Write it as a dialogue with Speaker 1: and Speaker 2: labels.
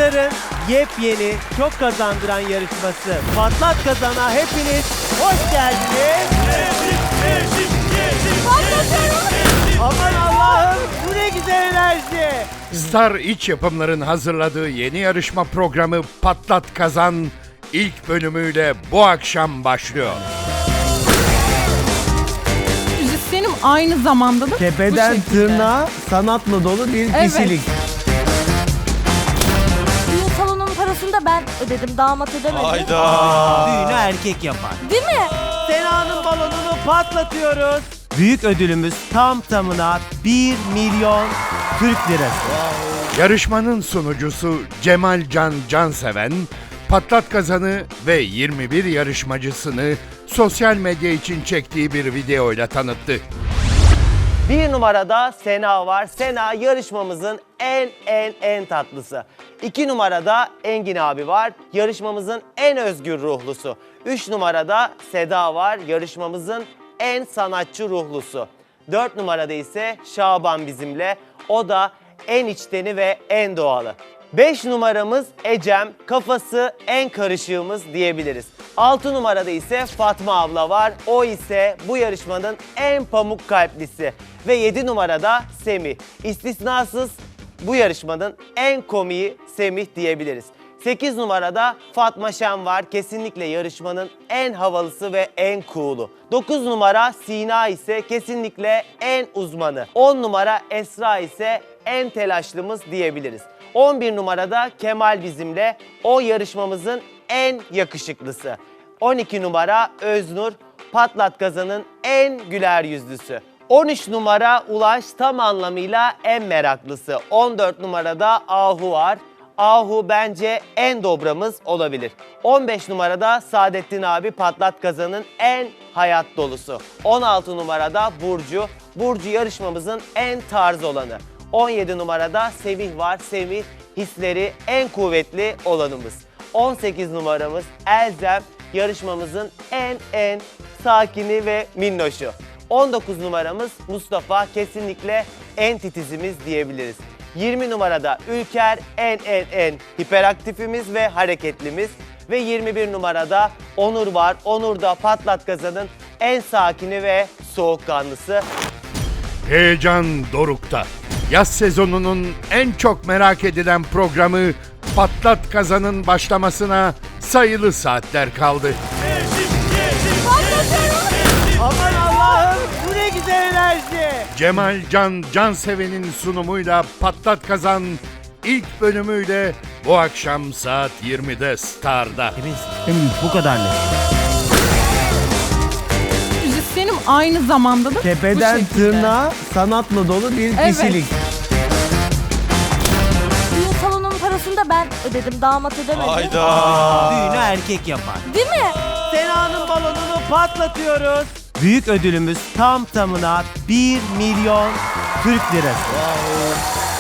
Speaker 1: Star'ın yepyeni, çok kazandıran yarışması Patlat Kazan'a hepiniz hoş geldiniz. Aman Allah'ım, bu ne güzel enerji.
Speaker 2: Star İç Yapımlar'ın hazırladığı yeni yarışma programı Patlat Kazan ilk bölümüyle bu akşam başlıyor.
Speaker 3: Müzisyenim aynı zamanda da
Speaker 1: Tepeden
Speaker 3: bu şekilde.
Speaker 1: tırnağa sanatla dolu bir
Speaker 3: Evet.
Speaker 1: kişilik.
Speaker 4: Düğün salonunun parasını da ben ödedim, damat ödemedi.
Speaker 1: Düğünü erkek yapar.
Speaker 4: Değil mi?
Speaker 1: Sena'nın balonunu patlatıyoruz. Büyük ödülümüz tam tamına 1 milyon Türk lirası.
Speaker 2: Yarışmanın sunucusu Cemal Can Canseven, Patlat Kazan'ı ve 21 yarışmacısını sosyal medya için çektiği bir videoyla tanıttı.
Speaker 1: Bir numarada Sena var. Sena yarışmamızın en tatlısı. 2 numarada Engin abi var. Yarışmamızın en özgür ruhlusu. 3 numarada Seda var. Yarışmamızın en sanatçı ruhlusu. 4 numarada ise Şaban bizimle. O da en içteni ve en doğalı. 5 numaramız Ecem, kafası en karışığımız diyebiliriz. 6 numarada ise Fatma abla var. O ise bu yarışmanın en pamuk kalplisi. Ve 7 numarada Semih. İstisnasız bu yarışmanın en komiği Semih diyebiliriz. 8 numarada Fatma Şen var. Kesinlikle yarışmanın en havalısı ve en cool'u. 9 numara Sina ise kesinlikle en uzmanı. 10 numara Esra ise en telaşlımız diyebiliriz. 11 numarada Kemal bizimle. O yarışmamızın en yakışıklısı. 12 numara Öznur, Patlat Kazan'ın en güler yüzlüsü. 13 numara Ulaş, tam anlamıyla en meraklısı. 14 numarada Ahu var. Ahu bence en dobramız olabilir. 15 numarada Saadettin abi, Patlat Kazan'ın en hayat dolusu. 16 numarada Burcu. Burcu yarışmamızın en tarz olanı. 17 numarada Semih var. Semih hisleri en kuvvetli olanımız. 18 numaramız Elzem, yarışmamızın en sakini ve minnoşu. 19 numaramız Mustafa, kesinlikle en titizimiz diyebiliriz. 20 numarada Ülker, en hiperaktifimiz ve hareketlimiz. Ve 21 numarada Onur var. Onur da Patlat Kazan'ın en sakini ve soğukkanlısı.
Speaker 2: Heyecan dorukta. Yaz sezonunun en çok merak edilen programı Patlat Kazan'ın başlamasına sayılı saatler kaldı.
Speaker 1: Aman Allah'ım, bu ne güzel enerji.
Speaker 2: Cemal Can Canseven'in sunumuyla Patlat Kazan ilk bölümüyle bu akşam saat 20'de Star'da.
Speaker 1: Emin bu kadar net.
Speaker 3: müzisyenim aynı zamanda da
Speaker 1: Tepeden
Speaker 3: bu şekilde.
Speaker 1: tırnağa sanatla dolu bir
Speaker 3: Evet.
Speaker 1: kişilik.
Speaker 4: Düğün salonunun parasını da ben ödedim, damat ödemedi.
Speaker 1: Düğünü erkek yapar.
Speaker 4: Değil mi?
Speaker 1: Sena'nın balonunu patlatıyoruz. Büyük ödülümüz tam tamına 1 milyon Türk lirası.